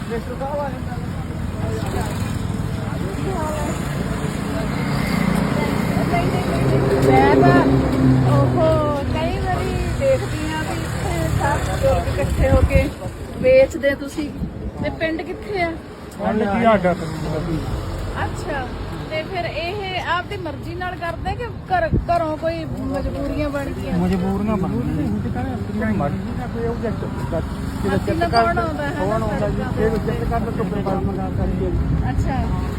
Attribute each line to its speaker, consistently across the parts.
Speaker 1: ਮੈਂ ਤਾਂ ਉਹ ਕਈ ਵਾਰੀ ਦੇਖਦੀ ਆ ਵੀ ਇੱਥੇ ਸਭ ਲੋਕ ਇਕੱਠੇ ਹੋ ਕੇ ਵੇਚਦੇ ਤੁਸੀਂ ਤੇ ਪਿੰਡ ਕਿੱਥੇ ਆ? ਅੱਛਾ ਤੇ ਫਿਰ ਇਹ ਆਪਦੀ ਮਰਜ਼ੀ ਨਾਲ ਕਰਦੇ ਕਿ ਘਰੋਂ ਕੋਈ ਮਜਬੂਰੀਆਂ ਬਣ ਗਈਆਂ?
Speaker 2: ਮਜਬੂਰੀਆਂ ਬਣ ਗਈਆਂ
Speaker 1: ਅਸੀਂ ਤਾਂ ਕੌਣ ਆਉਂਦਾ ਹੈ ਅੱਛਾ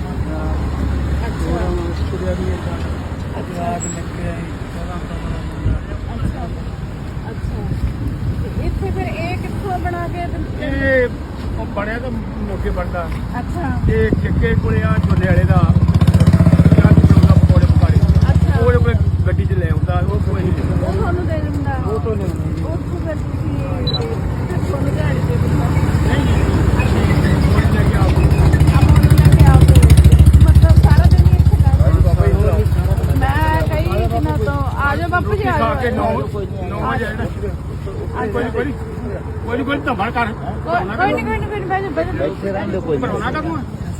Speaker 1: ਅੱਛਾ ਇੱਥੇ ਫਿਰ ਇਹ ਕਿੱਥੋਂ ਬਣਾ ਕੇ
Speaker 2: ਇਹ ਬਣਿਆ ਤਾਂ ਮੋਕੇ ਬਣਦਾ
Speaker 1: ਅੱਛਾ
Speaker 2: ਇਹ ਕਿੱਕੇ ਕੋਲੇ ਆ ਝੋਲੇ ਵਾਲੇ ਦਾ ਪਕੌੜੇ ਪਕਾੜੇ ਉਹ ਕੋਲੇ ਗੱਡੀ 'ਚ ਲੈ ਆਉਂਦਾ ਉਹ ਕੋਈ ਨਹੀਂ
Speaker 1: ਉਹ ਤੁਹਾਨੂੰ ਦੇ ਦਿੰਦਾ
Speaker 2: ਉਹ ਤੋਂ ਨਹੀਂ
Speaker 1: ਉੱਥੋਂ ਫਿਰ ਤੁਸੀਂ ਤੁਹਾਨੂੰ ਦਿਹਾੜੀ ਦੇ ਦਿੰਦਾ ਮਤਲਬ ਸਾਰਾ ਦਿਨ ਹੀ ਇੱਥੇ ਕਰਦੇ ਮੈਂ ਕਈ ਦਿਨਾਂ ਤੋਂ ਆ ਜਾਓ ਬਾਪੂ ਜੀ ਆ ਜਾਓ
Speaker 2: ਕੋਈ ਧਮੜ ਕਰ
Speaker 1: ਕੋਈ ਨਹੀਂ ਬੈਠੇ ਰਹਿੰਦੇ ਕੋਈ
Speaker 2: ਬਣਾਉਣਾ ਕਦੋਂ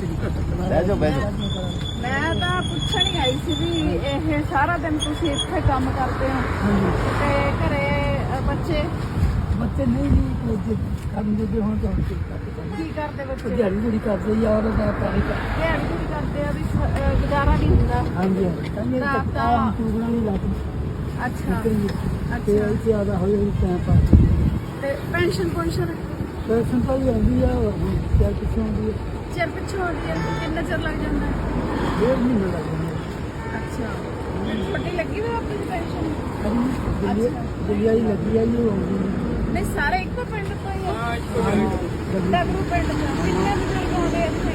Speaker 1: ਮੈਂ ਤਾਂ ਪੁੱਛਣ ਹੀ ਆਈ ਸੀ ਵੀ ਇਹ ਸਾਰਾ ਦਿਨ ਤੁਸੀਂ ਇੱਥੇ ਕੰਮ ਕਰਦੇ ਹੋ ਤੇ ਘਰੇ ਬੱਚੇ
Speaker 3: ਨਹੀਂ ਕੰਮ ਦੇ ਹੁਣ ਤਾਂ
Speaker 1: ਕੀ ਕਰਦੇ ਬੱਚੇ?
Speaker 3: ਦਿਹਾੜੀ ਕਰਦੇ ਯਾਰ ਦਾ ਪਾਣੀ
Speaker 1: ਦਿਹਾੜੀ ਵੀ ਕਰਦੇ ਆ ਵੀ ਗੁਜ਼ਾਰਾ ਨਹੀਂ ਹੁੰਦਾ।
Speaker 3: ਹਾਂਜੀ ਤਾਂ ਟੂਗਣਾ ਨਹੀਂ ਲੱਗਦੀ
Speaker 1: ਅੱਛਾ
Speaker 3: ਤੇ
Speaker 1: ਅੱਛਾ
Speaker 3: ਇਹ ਜ਼ਿਆਦਾ ਹੋਈ ਟਾਈਮ ਪਾਸ
Speaker 1: ਤੇ ਪੈਨਸ਼ਨ
Speaker 3: ਪੈਸਨ ਤਾਂ ਹੀ ਆਉਂਦੀ ਆ ਕਿਆ ਕਿੱਥੋਂ ਆਉਂਦੀ ਹੈ
Speaker 1: ਚਿਰ ਪਿੱਛੋਂ ਆਉਂਦੀ ਹੈ ਕਿੰਨਾ ਚਿਰ ਲੱਗ ਜਾਂਦਾ?
Speaker 3: 1.5 ਮਹੀਨਾ ਲੱਗ ਜਾਂਦਾ
Speaker 1: ਅੱਛਾ ਛੋਟੀ ਲੱਗੀ ਹੋਈ ਆਪਣੀ ਪੈਨਸ਼ਨ?
Speaker 3: ਦਿੱਲੀ ਲੱਗੀ ਆ ਉਹ ਆਉਂਦੀ
Speaker 1: ਨਹੀਂ ਸਾਰੇ ਇੱਕੋ ਪਿੰਡ ਤੋਂ ਹੀ ਆ? ਡਗਰੂ ਪਿੰਡ ਤੋਂ ਕਿੰਨੇ ਬਜ਼ੁਰਗ ਆਉਂਦੇ ਇੱਥੇ?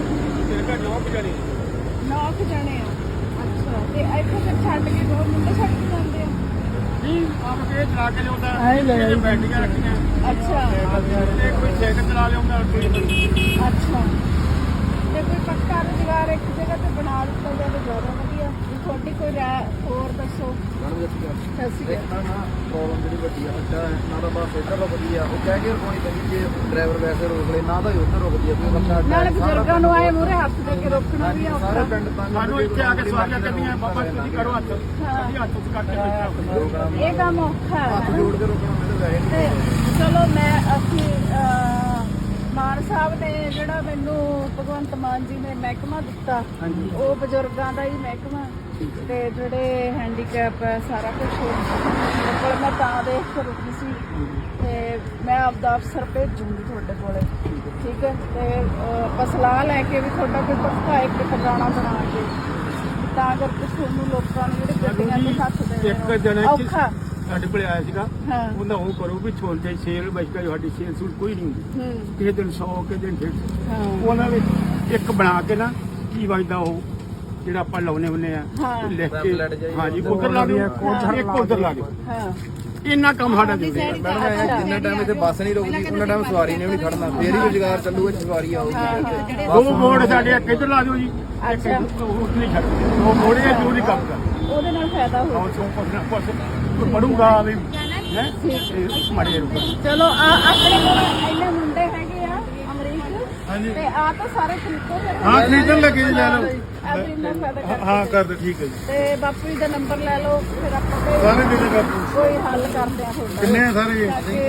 Speaker 1: 9 ਜਣੇ ਆ ਅੱਛਾ ਤੇ ਇੱਥੇ ਫਿਰ ਛੱਡ ਕੇ ਦੋ ਮੁੰਡੇ ਛੱਡ ਕੇ ਜਾਂਦੇ ਆ?
Speaker 2: ਨਹੀਂ ਆਪ ਕੇ ਚਲਾ ਕੇ ਲਿਆਉਂਦਾ
Speaker 3: ਆਏ ਲੈ ਆਈ
Speaker 2: ਬੈਟਰੀਆਂ ਰੱਖੀਆਂ
Speaker 1: ਅੱਛਾ
Speaker 2: ਤੇ ਕੋਈ ਸਾਈਕਲ ਚਲਾ ਲਿਆਉਂਦਾ
Speaker 1: ਅੱਛਾ ਤੇ ਕੋਈ ਪੱਕਾ ਰੁਜ਼ਗਾਰ ਇੱਕ ਜਗ੍ਹਾ ਤੇ ਬਣਾ ਦਿੱਤਾ ਜਾਵੇ ਜ਼ਿਆਦਾ ਵਧੀਆ ਵੀ ਤੁਹਾਡੀ ਕੋਈ ਰਾਏ ਹੋਰ ਦੱਸੋ। ਸਤਿ ਸ਼੍ਰੀ ਅਕਾਲ।
Speaker 4: ਪ੍ਰੋਬਲਮ ਜਿਹੜੀ ਵੱਡੀ ਆ ਅੱਡਾ ਨਾ ਤਾਂ ਬਸ ਇੱਧਰ ਦਾ ਵਧੀਆ ਉਹ ਕਹਿ ਕੇ ਰੁਕਣੀ ਪੈਂਦੀ ਜੇ ਡਰਾਈਵਰ ਵੈਸੇ ਰੋਕ ਲੈ ਨਾ ਤਾਂ ਉੱਧਰ ਰੁਕਦੀ ਆ ਕੋਈ ਬੰਦਾ
Speaker 1: ਨਾਲੇ ਬਜ਼ੁਰਗਾਂ ਨੂੰ ਆਏ ਮੂਹਰੇ ਹੱਥ ਦੇ ਕੇ ਰੋਕਣਾ ਵੀ ਔਖਾ।
Speaker 4: ਸਾਰੇ ਪਿੰਡ ਤੰਗ
Speaker 2: ਸਾਨੂੰ ਇੱਥੇ ਆ ਕੇ ਸਵਾਰੀਆਂ ਕੱਢੀਆਂ ਬਾਬਾ ਤੁਸੀਂ ਕਰੋ ਹੱਥ ਅਸੀਂ ਹੱਥ ਚ ਕੱਢ ਕੇ ਬੈਠਾ
Speaker 1: ਇਹ ਕੰਮ ਔਖਾ
Speaker 4: ਹੱਥ
Speaker 1: ਹੈ
Speaker 4: ਜੋੜ ਕੇ ਰੁਕਣਾ ਮੈਨੂੰ ਵੈਸੇ
Speaker 1: ਤੇ ਚਲੋ ਮੈਂ ਅਸੀਂ ਮਾਨ ਸਾਹਿਬ ਨੇ ਜਿਹੜਾ ਮੈਨੂੰ ਭਗਵੰਤ ਮਾਨ ਜੀ ਨੇ ਮਹਿਕਮਾ ਦਿੱਤਾ ਉਹ ਬਜ਼ੁਰਗਾਂ ਦਾ ਹੀ ਮਹਿਕਮਾ ਤੇ ਜਿਹੜੇ ਹੈਂਡੀਕੈਪ ਹੈ ਸਾਰਾ ਕੁਝ ਕੋਲ ਮੈਂ ਤਾਂ ਦੇਖ ਕੇ ਰੁਕੀ ਸੀ ਤੇ ਮੈਂ ਆਪਦਾ ਅਫਸਰ ਭੇਜੂੰਗੀ ਤੁਹਾਡੇ ਕੋਲੇ ਠੀਕ ਹੈ ਤੇ ਆਪਾਂ ਸਲਾਹ ਲੈ ਕੇ ਵੀ ਤੁਹਾਡਾ ਕੋਈ ਪੱਕਾ ਇੱਕ ਟਿਕਾਣਾ ਬਣਾ ਕੇ ਤਾਂ ਕਰਕੇ ਤੁਹਾਨੂੰ ਲੋਕਾਂ ਨੂੰ ਜਿਹੜੇ ਗੱਡੀਆਂ ਦੇ ਹੱਥ ਦੇਣੇ
Speaker 2: ਇੱਕ ਜਣੇ
Speaker 1: ਔਖਾ
Speaker 2: ਸਾਡੇ ਕੋਲੇ ਆਇਆ ਸੀਗਾ
Speaker 1: ਹਾਂ
Speaker 2: ਉਹਦਾ ਉਹ ਕਰੋ ਵੀ ਛੋਲਦੇ ਸੇਲ ਬਚਕਾ ਸਾਡੀ ਸੇਲ ਸੂਲ ਕੋਈ ਨਹੀਂ ਹੁੰਦੀ ਕਿਸੇ ਦਿਨ 100 ਕਿਸੇ ਦਿਨ 150
Speaker 1: ਹਾਂ
Speaker 2: ਉਹਨਾਂ ਵਿੱਚ ਇੱਕ ਬਣਾ ਕੇ ਨਾ ਕੀ ਵਜਦਾ ਉਹ ਜਿਹੜਾ ਆਪਾਂ ਲਾਉਨੇ ਹੁੰਨੇ ਆ
Speaker 1: ਹਾਂ
Speaker 2: ਲਿਖ ਕੇ ਹਾਂਜੀ ਉਧਰ ਲਾ ਦਿਓ ਇੱਕ ਉਧਰ ਲਾ ਦਿਓ
Speaker 1: ਹਾਂ
Speaker 2: ਇੰਨਾ ਕੰਮ ਸਾਡਾ ਦੇ ਦਿਓ
Speaker 4: ਮੈਡਮ ਜਿੰਨਾ ਟਾਈਮ ਇੱਥੇ ਬੱਸ ਨਹੀਂ ਰੁਕਦੀ ਉਹਨਾਂ ਟਾਈਮ ਸਵਾਰੀ ਨੇ ਵੀ ਨਹੀਂ ਖੜਨਾ ਫੇਰ ਹੀ ਰੁਜ਼ਗਾਰ ਚੱਲੂਗਾ ਸਵਾਰੀ ਆਊਗੀ
Speaker 2: ਦੋ ਮੋੜ ਸਾਡੇ ਇੱਧਰ ਲਾ ਦਿਓ ਜੀ
Speaker 1: ਅੱਛਾ
Speaker 2: ਉੱਥੇ ਨਹੀਂ ਛੱਡਦੇ ਦੋ ਮੋੜੇ ਜ਼ਰੂਰੀ ਕੰਮ ਕਰ
Speaker 1: ਉਹਦੇ ਨਾਲ ਫਾਇਦਾ ਹੋ
Speaker 2: ਆਉਂ ਸੋ ਪੜੂਗਾ ਵੀ ਹੈ ਮੜੇ ਰੁਕ
Speaker 1: ਚਲੋ ਆਪਣੇ ਕੋਲ ਇੰਨੇ ਮੁੰਡੇ ਹੈਗੇ ਆ ਅਮਰੀਕ ਤੇ ਆ ਤਾਂ ਸਾਰੇ ਖਰੀਦੋ ਫਿਰ
Speaker 2: ਹਾਂ ਖਰੀਦਣ ਲੱਗੇ ਜੀ ਲੈ ਲਓ
Speaker 1: ਆਪਣੀ ਨਾਲ ਫਾਇਦਾ ਕਰ
Speaker 2: ਹਾਂ ਕਰ ਦੋ ਠੀਕ ਹੈ ਜੀ
Speaker 1: ਤੇ ਬਾਪੂ ਜੀ ਦਾ ਨੰਬਰ ਲੈ ਲਓ ਫਿਰ ਆਪਾਂ
Speaker 2: ਸਾਰੇ ਕਿੰਨੇ ਬਾਪੂ
Speaker 1: ਕੋਈ ਹੱਲ ਕਰਦੇ ਆ ਤੁਹਾਡਾ
Speaker 2: ਕਿੰਨੇ ਆ ਸਾਰੇ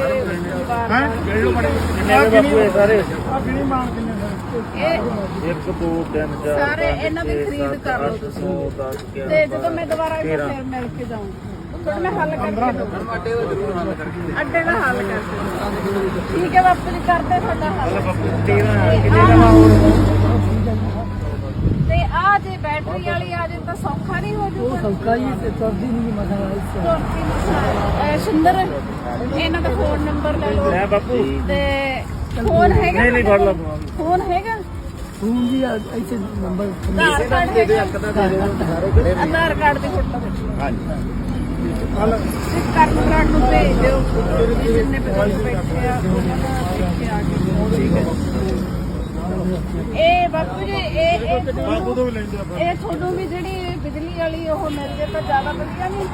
Speaker 2: ਹੈ ਗਿਣ ਲਓ ਮੜੇ
Speaker 4: ਕਿੰਨੇ ਬਾਪੂ ਇਹ ਸਾਰੇ
Speaker 2: ਆ ਗਿਣੀ ਮਾਨ ਕਿੰਨੇ ਸਾਰੇ
Speaker 1: ਇਹ
Speaker 4: 1 2 3 4
Speaker 1: ਸਾਰੇ ਇਹਨਾਂ ਦੀ ਖਰੀਦ ਕਰ ਲਓ ਤੁਸੀਂ ਤੇ ਜਦੋਂ ਮੈਂ ਦੁਬਾਰਾ ਇੱਥੇ ਫਿਰ ਮਿਲ ਕੇ ਜਾਊਂਗੀ ਫਿਰ ਮੈਂ ਹੱਲ ਕਰਕੇ ਦਊਂਗੀ
Speaker 4: ਅੱਡੇ ਦਾ ਜ਼ਰੂਰ ਹੱਲ ਕਰਕੇ
Speaker 1: ਅੱਡੇ ਦਾ ਹੱਲ ਕਰਕੇ ਠੀਕ ਹੈ ਬਾਪੂ ਜੀ ਕਰਦੇ ਤੁਹਾਡਾ ਹੱਲ ਤੇ ਆ ਜੇ ਬੈਟਰੀ ਵਾਲੀ ਆ ਜੇ ਤਾਂ ਸੌਖਾ ਨਹੀਂ ਹੋ ਜੂਗਾ
Speaker 3: ਸੌਕਾ ਹੀ ਤੇ ਤੁਰਦੀ ਨਹੀਂ ਮਸਲਾ
Speaker 1: ਸੁੰਦਰ ਇਹਨਾਂ ਦਾ ਫੋਨ ਨੰਬਰ ਲੈ ਲਓ
Speaker 4: ਲੈ ਬਾਪੂ
Speaker 1: ਤੇ ਫੋਨ ਹੈਗਾ
Speaker 4: ਨਹੀਂ ਫੜ ਲਾ
Speaker 1: ਫੋਨ ਹੈਗਾ
Speaker 3: ਫੋਨ ਦੀ ਇੱਥੇ ਨੰਬਰ
Speaker 1: ਆਧਾਰ ਕਾਰਡ ਹੈਗਾ ਆਧਾਰ ਕਾਰਡ ਦੀ ਫੋਟੋ
Speaker 4: ਹਾਂਜੀ
Speaker 1: ਕਰਨ ਨੂੰ ਭੇਜ ਦਿਓ ਜਿੰਨੇ ਬਜ਼ੁਰਗ ਬੈਠੇ ਆ ਉਹਨਾਂ ਦਾ ਦੇਖ ਕੇ ਆ ਕੇ ਠੀਕ ਹੈ ਇਹ ਬਾਪੂ ਜੀ ਇਹ ਤੁਹਾਨੂੰ ਵੀ ਜਿਹੜੀ ਬਿਜਲੀ ਵਾਲੀ ਉਹ ਮਿਲ ਜੇ ਤਾਂ ਜ਼ਿਆਦਾ ਵਧੀਆ ਨਹੀਂ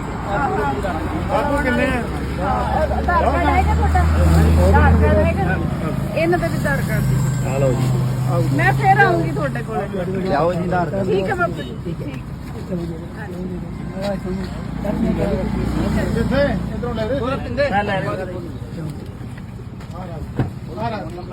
Speaker 2: ਬਾਪੂ ਕਿੰਨੇ ਆ
Speaker 1: ਆਧਾਰ ਕਾਰਡ ਹੈਗਾ ਤੁਹਾਡਾ ਆਧਾਰ ਕਾਰਡ ਹੈਗਾ ਇਹਨਾਂ ਦਾ ਵੀ ਆਧਾਰ ਕਾਰਡ ਦੀ।
Speaker 4: ਆ ਲਓ ਜੀ
Speaker 1: ਮੈਂ ਫੇਰ ਆਉਂਗੀ ਤੁਹਾਡੇ ਕੋਲ।
Speaker 4: ਲਿਆਓ ਜੀ ਆਧਾਰ ਕਾਰਡ
Speaker 1: ਠੀਕ ਹੈ ਬਾਪੂ ਜੀ ਠੀਕ।
Speaker 3: ਜਿੱਥੇ ਇਧਰੋਂ ਲੈ ਦੇ
Speaker 4: ਮੈਂ ਲੈ ਰਿਹਾ